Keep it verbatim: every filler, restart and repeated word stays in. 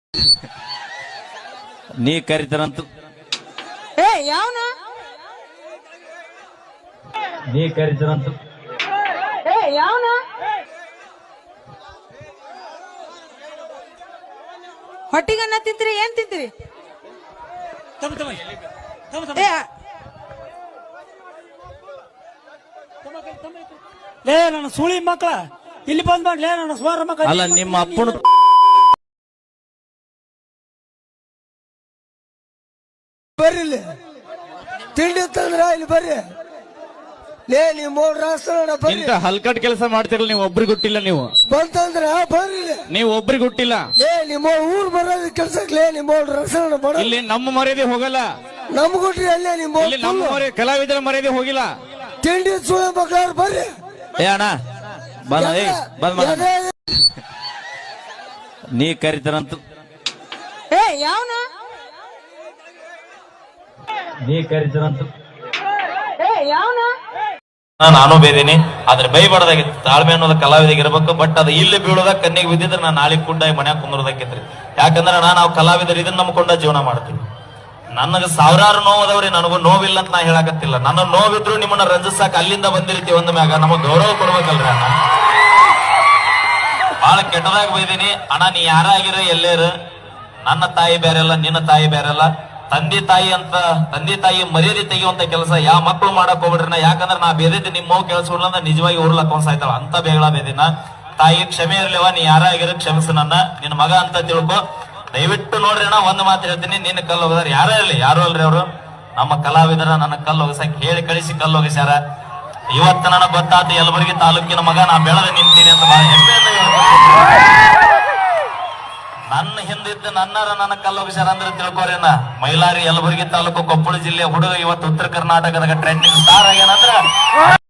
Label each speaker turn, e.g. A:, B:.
A: ನೀ ಕರಿತಾರಂತ
B: ಏ ಯಾವನ
A: ನೀ ಕರಿತಾರಂತ
B: ಏ ಯಾವನ ಹೊಟ್ಟಿಗನ್ನ ತಿಂತೀರಿ ಏನ್ ತಿಂತೀರಿ
C: ತಮ್ಮ ತಮ್ಮ ತಮ್ಮ ತಮ್ಮ
B: ಏ
C: ಲೇ ನನ್ನ ಸುಳಿ ಮಕ್ಕಳ ಇಲ್ಲಿ ಬಂದ್ ಮಾಡ್ಲೇ ನನ್ನ ಸ್ವಾರ ಮಕ್ಕಳ
A: ಅಲ್ಲ ನಿಮ್ಮ ಅಪ್ಪನ
D: ಬರ್ರಿ ಇಲ್ಲಿ ತಿಂಡಿ ತಂದ್ರ ಇಲ್ಲಿ ಬರ್ರಿ ಲೇ ನೀವು ಮೂರ್ ರಾಷ್ಟ್ರ ಬರ್ರಿ
A: ಇಂತ ಹಲ್ಕಟ್ ಕೆಲಸ ಮಾಡ್ತಿರಲ್ಲ ನೀವು ಒಬ್ರಿಗೆ ಹುಟ್ಟಿಲ್ಲ ನೀವು
D: ಬಂತಂದ್ರ ಬರ್ರಿ ಇಲ್ಲಿ.
A: ನೀವು ಒಬ್ರಿಗೆ ಹುಟ್ಟಿಲ್ಲ
D: ಲೇ ನಿಮ್ಮ ಊರ್ ಬರೋದ್ ಕೆಲ್ಸಕ್ ಲೇ ನಿಮ್ಮ ಮೂರ್ ರಾಷ್ಟ್ರ ಬಡ
A: ಇಲ್ಲಿ ನಮ್ಮ ಮರ್ಯಾದೆ ಹೋಗಲ್ಲ
D: ನಮ್ ಕೊಟ್ರಿ ಅಲ್ಲೇ ನಿಮ್ಮ
A: ಇಲ್ಲಿ ನಮ್ಮ ಮರ್ಯಾದೆ ಕಲಾವಿದರ ಮರ್ಯಾದೆ ಹೋಗಿಲ್ಲ
D: ತಿಂಡಿ ಸುಳ ಮಕ್ಕಳು ಬರ್ರಿ
A: ಏ ಅಣ್ಣ ಬಂದ ಏ ಬಂದ್ ಮಾಡ
D: ಎದೆ-
A: ನೀ ಕರಿತಾರಂತ
B: ಏ ಯಾವನ
A: ನೀ ಕರಿತಾರಂತ
B: ಏ ಯಾವನ
E: ನಾನು ಬೇದೀನಿ ಆದ್ರೆ ಬೈಬಾರ್ದಾಗಿತ್ತು ತಾಳ್ಮೆ ಅನ್ನೋದು ಕಲಾವಿದಾಗ ಇರ್ಬೇಕು ಬಟ್ ಅದು ಇಲ್ಲಿ ಬೀಳೋದ ಕಣ್ಣಿಗೆ ಬಿದ್ದಿದ್ರೆ ನಾನು ನಾಳೆ ಕುಂಡ ಮನ್ಯಾಗ ಕುಂದ್ರದಕ್ಕಿತ್ರಿ ಯಾಕಂದ್ರೆ ನಾನು ನಾವು ಕಲಾವಿದರು ಇದನ್ನ ನಂಬ್ಕೊಂಡ ಜೀವನ ಮಾಡ್ತೀವಿ ನನಗ ಸಾವಿರಾರು ನೋವದವ್ರಿ ನನಗೂ ನೋವಿಲ್ಲ ಅಂತ ನಾ ಹೇಳಕತ್ತಿಲ್ಲ ನನ್ನ ನೋವಿದ್ರು ನಿಮ್ಮನ್ನ ರಂಜಿಸಾಕ ಅಲ್ಲಿಂದ ಬಂದಿರ್ತೀವಿ ಒಂದ್ ಮ್ಯಾಗ ನಮಗ್ ಗೌರವ ಕೊಡ್ಬೇಕಲ್ರಿ ಅಣ್ಣ ಬಹಳ ಕೆಟ್ಟದಾಗ ಬೈದೀನಿ ಅಣ್ಣ ನೀ ಯಾರ ಆಗಿರ ಎಲ್ಲೇರ ನನ್ನ ತಾಯಿ ಬೇರೆಲ್ಲ ನಿನ್ನ ತಾಯಿ ಬೇರೆಲ್ಲ ತಂದೆ ತಾಯಿ ಅಂತ ತಂದೆ ತಾಯಿ ಮರ್ಯಾದೆ ತೆಗೆಯುವಂತ ಕೆಲಸ ಯಾವ ಮಕ್ಕಳು ಮಾಡಕ್ ಹೋಗ್ಬಿಡ್ರಿ ಯಾಕಂದ್ರೆ ನಾ ಬೇದೈತಿ ನಿಮ್ಮ ಮಗು ಕೇಳಿಸ್ಬಿಡ್ಲ ಅಂದ್ರೆ ನಿಜವಾಗಿ ಉರ್ಲಕ್ ಅನ್ಸಾಯ್ತಾಳ ಅಂತ ಬೇಗಳ ಬೇದಿನ ತಾಯಿ ಕ್ಷಮೆ ಇರ್ಲಿವ ನೀ ಯಾರ ಆಗಿರ ಕ್ಷಮಿಸು ನನ್ನ ನಿನ್ನ ಮಗ ಅಂತ ತಿಳ್ಕೊ ದಯವಿಟ್ಟು ನೋಡ್ರಿ ಅಣ್ಣ ಒಂದ್ ಮಾತು ಹೇಳ್ತೀನಿ ನಿನ್ನ ಕಲ್ಲು ಹೋಗಿದಾರ ಯಾರೇ ಇರ್ಲಿ ಯಾರು ಅಲ್ರಿ ಅವರು ನಮ್ಮ ಕಲಾವಿದರ ನನ್ನ ಕಲ್ಲು ಹೋಗಿಸಕ್ ಹೇಳಿ ಕಳಿಸಿ ಕಲ್ಲು ಹೋಗಿಸ್ಯಾರ ಇವತ್ತು ನನಗೆ ಗೊತ್ತಾಯ್ತು ಯಲಬುರ್ಗಿ ತಾಲೂಕಿನ ಮಗ ನಾ ಬೆಳೆದ ನಿಂತೀನಿ ಅಂತ ಬಹಳ ಹೆಮ್ಮೆಯಿಂದ ಹೇಳ್ತೀನಿ. ನನ್ನ ಹಿಂದಿದ್ದ ನನ್ನರ ನನ್ನ ಕಲ್ಲು ಹೋಗಿಸ್ಯಾರ ಅಂದ್ರೆ ತಿಳ್ಕೊರೇನ ಮೈಲಾರಿ ಯಲಬುರ್ಗಿ ತಾಲೂಕು ಕೊಪ್ಪಳ ಜಿಲ್ಲೆ ಹುಡುಗ ಇವತ್ತು ಉತ್ತರ ಕರ್ನಾಟಕದಾಗ ಟ್ರೆಂಡಿಂಗ್ ಸ್ಟಾರ್ ಆಗ್ಯಾನಂದ್ರ